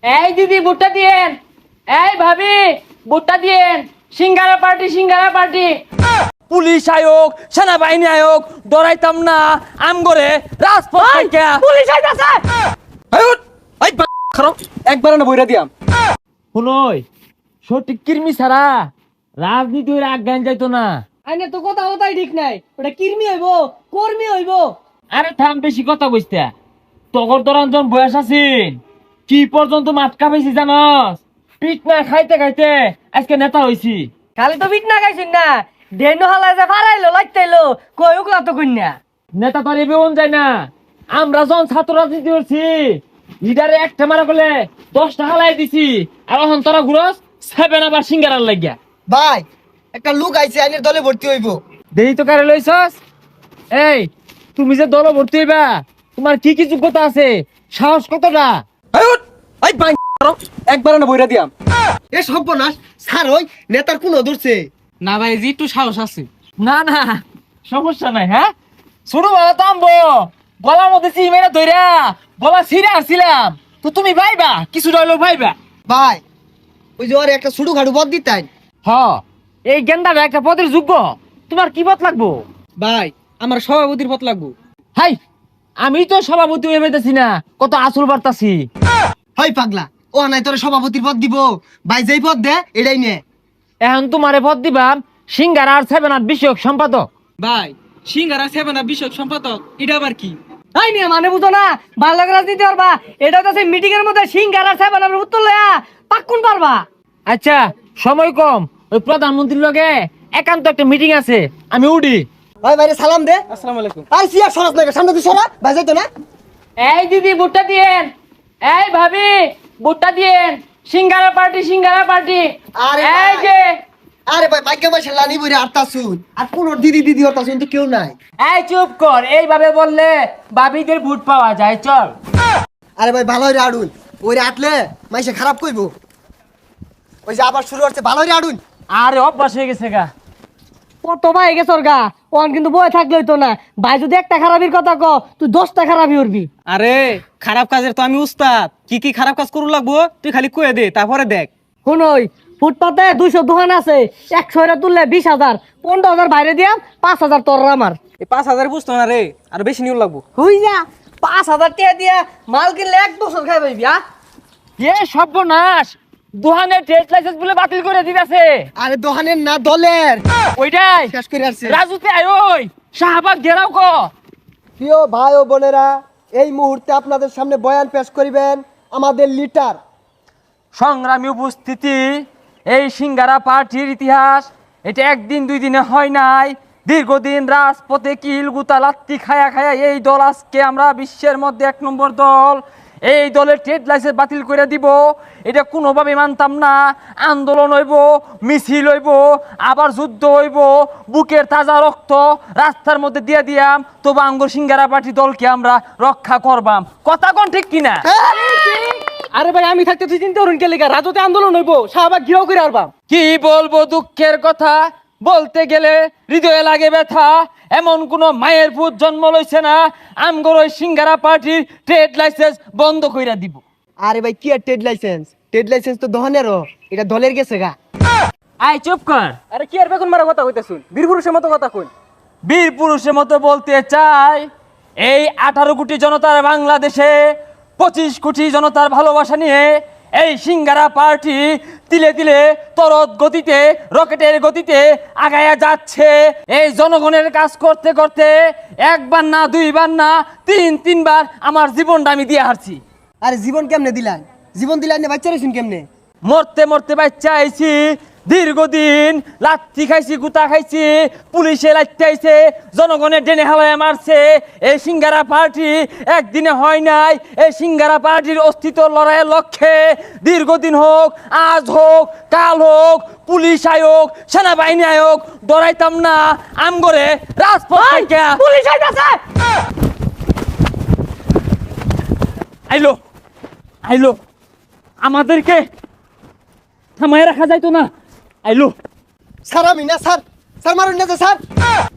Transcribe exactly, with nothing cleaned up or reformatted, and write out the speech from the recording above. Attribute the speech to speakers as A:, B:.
A: এই দিদি ভুট্টা দিয়েন, এই ভাবি ভুট্টা দিয়েন, সিঙ্গারা পার্টি সিঙ্গারা পার্টি।
B: পুলিশ আয়োগ সেনাবাহিনী আয়োগ ডরাইতাম না আম করে রাজপথ থেকে
A: পুলিশ আইতাছে।
B: একবার না বইরা দিয়াম শুনই সঠিক কির্মি ছাড়া রাজনীতি হইলে আজ্ঞান যাইতো না।
A: আইনে তো কথা কথাই ঠিক নাই, ওটা কির্মি হইব কর্মী হইব।
B: আরে থাম বেশি কথা কইস্তা তগর দরঞ্জন বয়স আছিন কি পর্যন্ত মাটকা পেয়েছি জানস পিট না খাইতে খাইতে আজকে নেতা হইছি।
A: খালি তো বিট না গাইছিন না, ডেনো হালা যে ফারাইলো লাইতাইলো কই ওগুলা তো কইনা।
B: নেতা তো আর এবেউন যায় না। আমরা যখন ছাত্র রাজনীতি করছি লিডারে একটা মারা করলে দশ টাকা লাই দিছি আর এখন তোরা ঘুরস সেভেন আবার সিঙ্গারার লাগিয়া।
C: ভাই একটা লোক আইছে আইনের দলে ভর্তি হইব।
B: দেরি তো কারে লইছস? এই তুমি যে দল ভর্তি হইবা তোমার কি কি যোগ্যতা আছে সাহস কতটা? একবার না বইরা দিয়াম
C: এ সর্বনাশ স্যার ওই নেতার কোন ধরছে
A: না ভাই জি একটু সাহস আছে।
B: না না সমস্যা নাই। হ্যাঁ শুরু ভালো তামবো গলার মধ্যে চিমেরা ধইরা গলা ছিঁড়ে আসছিলাম তো তুমি ভাইবা কিছু রইলো ভাইবা।
C: ভাই ওই যে ওর একটা ছুটু খাটু পদ দিতেন।
B: হ এই গেন্দাটা একটা পদের যোগ্য তোমার কি পথ লাগবো?
A: ভাই আমার সভাপতির পথ লাগবো।
B: হাই আমি তো সভাপতি হয়ে পেতেছি না কত আসল বার্তাছি।
C: হয় পাগলা ও নাই তোর সভাপতির পদ দিব ভাই যেই পদ দে এটাই নে।
B: এখন তোমারে পদ দিবাম সিঙ্গার আর সেভেন আট বিষয়ক সম্পাদক।
A: ভাই সিঙ্গারা সেভেন আপ বিষয়ক সম্পাদক এটা আবার কি? তাই নিয়ে মানে বুঝো না ভালো রাজনীতি পারবা, এটা তো মিটিং এর মধ্যে সিঙ্গারা সেভেন আপের উত্তর লয়া পাক্কুন পারবা।
B: আচ্ছা সময় কম ওই প্রধানমন্ত্রীর লগে একান্ত একটা মিটিং আছে আমি উডি।
C: ভাই ভাইরে সালাম দে।
A: আসসালামু আলাইকুম।
C: আর সিয়া সরাস না সামনে তুই সরা ভাই যাইতো না।
A: এই দিদি ভুট্টা দিয়েন, এই ভাবি ভুট্টা দিয়েন, সিঙ্গারা পার্টি সিঙ্গারা পার্টি।
C: আরে
A: এই
C: ভাই।
A: যে
C: আরে ভাই ভাগ্য ভাই লানি বইরে আটটা শুন আর কোন দিদি দিদি হতা শুন তো কেউ নাই।
B: এই চুপ কর এইভাবে বললে বাবিদের ভোট পাওয়া যায় চল।
C: আরে ভাই ভালো হইরে আড়ুন ওইরে আটলে মাইসে খারাপ কইবো। ওই যে আবার শুরু হচ্ছে ভালো হইরে আড়ুন।
B: আরে অভ্যাস হয়ে গেছে গা।
A: কত ভাই গেছে ওর গা, ওন কিন্তু বয়ে থাকলে হইতো না। ভাই যদি একটা খারাপির কথা ক তুই দশটা খারাপি উঠবি।
D: আরে খারাপ কাজের তো আমি উস্তাদ, কি কি খারাপ কাজ করু লাগবো তুই খালি কয়ে দে তারপরে দেখ।
A: শুনই ফুটপাতে দুইশো দোকান আছে, একশো এরা তুললে বিশ হাজার, পনেরো হাজার বাইরে দিয়াম, পাঁচ হাজার তোর আমার।
D: এই পাঁচ হাজার বুঝতো না রে, আর বেশি নিউ লাগবো।
A: হুই যা পাঁচ হাজার টাকা দিয়া মাল কিনলে এক বছর খাই পাইবি। আ
B: এ সর্বনাশ দোহানের ট্রেড লাইসেন্স বলে বাতিল করে দিতেছে।
C: আরে দোকানের না দলের
B: ওইটাই
C: শেষ করে আসছে।
B: রাজুতে আয় ওই শাহবাগ ঘেরাও ক।
C: প্রিয় ভাই ও বোনেরা এই মুহূর্তে আপনাদের সামনে বয়ান পেশ করিবেন আমাদের লিডার।
B: সংগ্রামী উপস্থিতি এই সিঙ্গারা পার্টির ইতিহাস এটা একদিন দুই দিনে হয় নাই, দীর্ঘদিন রাজপথে কিল গুতা লাত্তি খায়া খায়া এই দল আজকে আমরা বিশ্বের মধ্যে এক নম্বর দল। এই দলের ট্রেড লাইসেন্স বাতিল করে দিব এটা কোনোভাবে মানতাম না। আন্দোলন হইব, মিছিল হইব, আবার যুদ্ধ হইব, বুকের তাজা রক্ত রাস্তার মধ্যে দিয়ে দিয়াম, তবু আঙ্গুর সিঙ্গারা পার্টি দলকে আমরা রক্ষা করবাম। কথা কোন ঠিক কিনা?
A: আরে ভাই আমি থাকতে তুই চিন্তা করুন কে লেগা রাজতে আন্দোলন হইব, শাহবাগ ঘিরাও করে আরবাম।
B: কি বলবো দুঃখের কথা, বলতে গেলে হৃদয়ে লাগে ব্যথা। এমন কোন মায়ের পুত জন্ম লইছে না আমগর ওই সিঙ্গারা পার্টির ট্রেড লাইসেন্স বন্ধ কইরা দিব।
C: আরে ভাই কি আর ট্রেড লাইসেন্স, ট্রেড লাইসেন্স তো দোকানেরও, এটা দলের গেছে গা।
B: আয় চুপ কর।
D: আরে কি আর বেগুন মারা কথা কইতে শুন, বীর পুরুষের মতো কথা কই।
B: বীর পুরুষের মতো বলতে চাই এই আঠারো কোটি জনতার বাংলাদেশে পঁচিশ কোটি জনতার ভালোবাসা নিয়ে এই সিঙ্গারা পার্টি তিলে তিলে তরত গতিতে রকেটের গতিতে আগায়া যাচ্ছে। এই জনগণের কাজ করতে করতে একবার না দুইবার না তিন তিনবার আমার জীবনটা আমি দিয়ে হারছি।
C: আরে জীবন কেমনে দিলেন, জীবন দিলেন না বাচ্চা রেছেন কেমনে?
B: মরতে মরতে বাচ্চা আইছি, দীর্ঘদিন লাত্তি খাইছি, গুতা খাইছি, পুলিশে লাত্তি আইছে, জনগণের ডেনে হাওয়ায় মারছে। এই সিঙ্গারা পার্টি একদিনে হয় নাই। এই সিঙ্গারা পার্টির অস্তিত্ব লড়াইয়ের লক্ষ্যে দীর্ঘদিন হোক, আজ হোক, কাল হোক, পুলিশ আয়োগ সেনাবাহিনী আয়োগ ডরাইতাম না আমগরে রাজপথ থেকে।
A: পুলিশ আইতাছে।
B: আইলো আইলো আমাদেরকে থামায় রাখা যাইতো না। আইলো
C: স্যার আমি না স্যার, স্যার মারুন না স্যার।